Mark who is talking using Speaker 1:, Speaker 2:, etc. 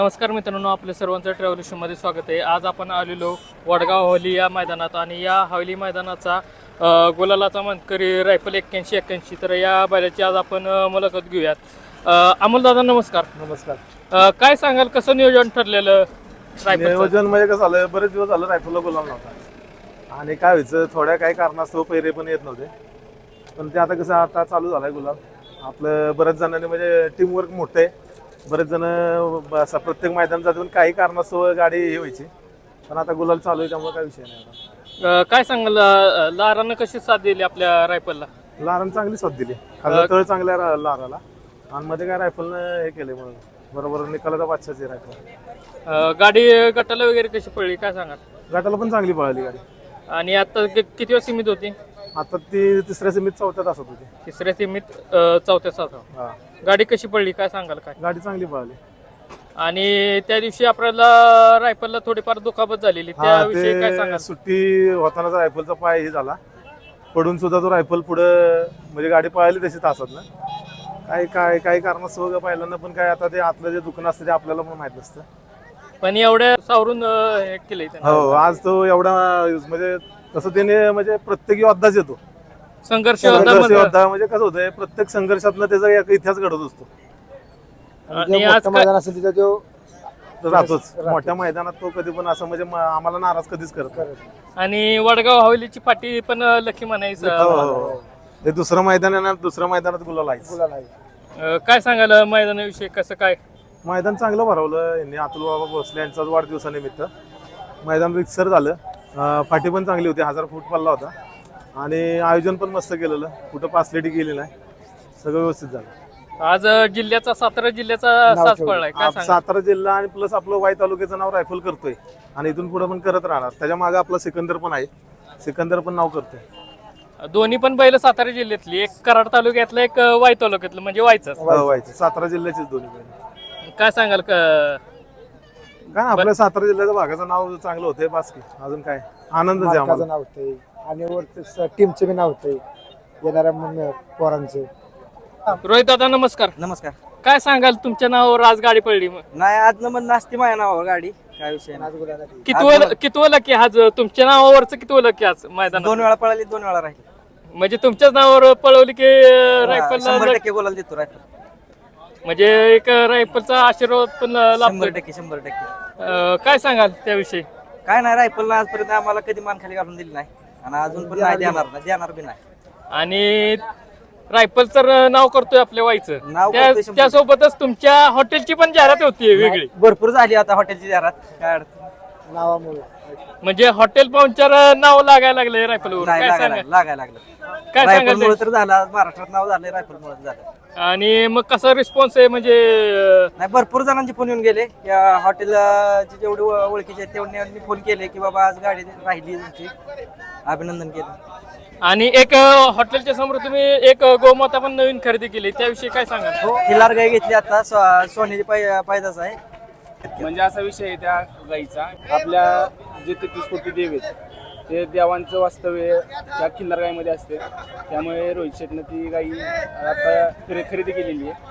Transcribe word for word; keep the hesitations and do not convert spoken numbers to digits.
Speaker 1: नमस्कार मित्रांनो, आपल्या सर्वांचं ट्रॅव्हल शोमध्ये स्वागत आहे. आज आपण आलेलो वडगाव हवेली या मैदानात आणि या हवेली मैदानाचा अ, गुलालाचा मानकरी रायफल एक्क्याऐंशी एक्क्याऐंशी तर या बैलाची आज आपण अ, मुलाखत घेऊयात. अ, अमोल दादा नमस्कार.
Speaker 2: नमस्कार.
Speaker 1: अ, काय सांगाल, कसं नियोजन ठरलेलं रायफल?
Speaker 2: नियोजन म्हणजे कसं झालं, बरेच दिवस झालं रायफलला गुलाम नव्हता आणि काय व्हायचं, थोड्या काही कारणास्तव पैरे पण येत नव्हते. पण ते आता कसं आता चालू झालंय गुलाम. आपलं बऱ्याच जणांनी म्हणजे टीमवर्क मोठं आहे. बरेच जण असं प्रत्येक मैदान जातात, पण काही कारणास्तव गाडी हे व्हायची. पण आता गुलाल चालू आहे त्यामुळे काय विषय नाही आता.
Speaker 1: अ, काय सांगाल, अ, लारानं कशी साथ दिली आपल्या रायफलला?
Speaker 2: लारानं चांगली साथ दिली. खाली तळ चांगल्या रा- लाराला आणि मध्ये काय रायफलनं हे केले म्हणून बरोबर निकालाचा बादशाची रायफल.
Speaker 1: अ, गाडी गटाला वगैरे कशी पडली काय सांगाल?
Speaker 2: गटाला पण चांगली पळाली गाडी.
Speaker 1: आणि आता कि- किती वेळ सीमित होती?
Speaker 2: आता ती तिसऱ्या सीमित चौथ्यात असत होती.
Speaker 1: तिसऱ्या सीमित अ, चौथ्या सात.
Speaker 2: हा,
Speaker 1: गाडी कशी पडली काय सांगाल काय?
Speaker 2: गाडी चांगली पळाली.
Speaker 1: आणि त्या दिवशी आपल्याला रायफलला थोडीफार दुखापत झालेली,
Speaker 2: हा,
Speaker 1: त्याविषयी काय
Speaker 2: ते
Speaker 1: सांगाल?
Speaker 2: सुट्टी होतानाचा रायफलचा पाय हे झाला पडून सुद्धा तो रायफल पुढं म्हणजे गाडी पळाली तशी तासात ना. काय काय काही कारणास्तव पहिल्यांदा पण काय आता ते आतलं जे दुकान असतं ते आपल्याला पण माहित नसतं.
Speaker 1: पण एवढ्या सावरून अं, हे केलंय त्यानं.
Speaker 2: हो, आज तो एवढा म्हणजे तसं त्याने म्हणजे प्रत्येक योद्धाच येतो.
Speaker 1: संघर्ष
Speaker 2: संघर्ष
Speaker 1: होता
Speaker 2: योद्धा म्हणजे कसं होतंय, प्रत्येक संघर्षातनं त्याचा एक इतिहास घडत असतो.
Speaker 1: आणि आज काय-
Speaker 3: मैदान असेल तिथं तो
Speaker 2: तो राहतोच मोठ्या मैदानात. तो कधी पण असं म्हणजे म- आम्हाला नाराज कधीच करत नाही.
Speaker 1: आणि वडगाव हवेलीची पाठी पण अं, लकी
Speaker 2: हो,
Speaker 1: म्हणायचं.
Speaker 2: हो, हो. ते दुसरं मैदान आहे ना, दुसऱ्या मैदानात गुलाल आहेच.
Speaker 3: गुलाल आहे.
Speaker 1: अं, काय सांगाल मैदानाविषयी, कसं काय?
Speaker 2: मैदान चांगलं भरवलं यांनी. अतुल बाबा भोसले यांचाच वाढदिवसानिमित्त मैदान रिक्सर झालं. अं, फाटी पण चांगली होती, हजार फूट पल्ला होता आणि आयोजन पण मस्त केलेलं. कुठं पासलेटी गेली नाही, सगळं व्यवस्थित झालं.
Speaker 1: आज अं, जिल्ह्याचा सातारा जिल्ह्याचा
Speaker 3: नाव
Speaker 1: साज
Speaker 3: ठेवलं.
Speaker 1: पडलाय काय
Speaker 2: आप-
Speaker 1: सांगाल?
Speaker 2: सातारा जिल्हा आणि प्लस आपलं वाई तालुक्याचं नाव रायफल करतोय आणि इथून पुढे पण करत राहणार. त्याच्या मागे आपला सिकंदर पण आहे. सिकंदर पण नाव करतोय.
Speaker 1: दोन्ही पण बैल सातारा जिल्ह्यातली, एक कराड तालुक्यातलं, एक अं, वाई तालुक्यातलं, म्हणजे वाईचं.
Speaker 2: हो, वाईचं सातारा जिल्ह्याचेच दोन्ही पण.
Speaker 1: काय सांगाल क-
Speaker 2: काय आपल्या सातारा जिल्ह्याच्या भागाचं नाव चांगलं होतंय बास की. अजून काय आनंदच आहे
Speaker 3: मालकाचं
Speaker 2: आम्हाला.
Speaker 3: नाव होतंय आणि वरती टीमचं बी नाव होतंय येणाऱ्या मग पोरांचं.
Speaker 1: रोहित दादा नमस्कार.
Speaker 4: नमस्कार.
Speaker 1: काय सांगाल, तुमच्या नावावर आज गाडी पडली?
Speaker 4: नाही, आज नंबर नास्ती माझ्या नावावर गाडी, काय विषय नाही.
Speaker 3: आज गुलाल आहे.
Speaker 1: कितवं कितवं लकी आज तुमच्या नावावरचं? कितवं लकी आज मैदानात?
Speaker 4: दोन वेळा पळाली, दोन वेळा राहिली.
Speaker 1: म्हणजे तुमच्याच नावावर पळवली की
Speaker 4: शंभर
Speaker 1: रायफलला?
Speaker 4: टक्के बोलायला देतो रायफल.
Speaker 1: म्हणजे एक रायफलचा आशीर्वाद पण
Speaker 4: शंभर
Speaker 1: लाभतो.
Speaker 4: टक्के शंभर टक्के
Speaker 1: अं, काय सांगाल त्याविषयी?
Speaker 4: काय नाही, रायफल आजपर्यंत आम्हाला कधी मान खाली घालून दिली नाही आणि अजून पण नाही देणार नाही, देणार बी नाही.
Speaker 1: आणि रायफल तर नाव करतोय आपल्या वाईचं,
Speaker 4: नाव
Speaker 1: त्या-
Speaker 4: करतोय शंभर.
Speaker 1: त्यासोबतच तुमच्या हॉटेलची पण जाहिरात होती वेगळी.
Speaker 4: भरपूर झाली आता हॉटेलची जाहिरात, काय अडचण
Speaker 3: नावामुळे
Speaker 1: म्हणजे हॉटेल पाहुणचार नाव लागायला लागले रायफलवर.
Speaker 4: नाही.
Speaker 1: काय
Speaker 4: लागायला
Speaker 1: सांगाल?
Speaker 4: लागायला लागलं.
Speaker 1: काय
Speaker 4: रायफल
Speaker 1: सांगाल
Speaker 4: मुळे तर झालं, आज महाराष्ट्रात नाव झालंय रायफल मुळे झालं.
Speaker 1: आणि मग कसा रिस्पॉन्स आहे म्हणजे?
Speaker 4: नाही, भरपूर जणांचे फोन येऊन गेले. या हॉटेल जेवढे ओळ- ओळखीचे आहेत तेवढे फोन केले की बाबा आज गाडी राहिली तुमची, अभिनंदन केलं.
Speaker 1: आणि एक अं, हॉटेलच्या समोर तुम्ही एक अं, गोमाता पण नवीन खरेदी केली, त्याविषयी काय सांगाल?
Speaker 4: हो, खिलार गाय घेतली आता, सो- सोन्याची पाय पायदास आहे.
Speaker 5: म्हणजे असा विषय आहे त्या गाईचा, आपल्या जे तेहतीस कोटी देव आहेत ते देवांचं वास्तव्य त्या खिल्लार गायमध्ये असते. त्यामुळे रोहित शेटनं ती गाई आता खरे- खरेदी केलेली आहे.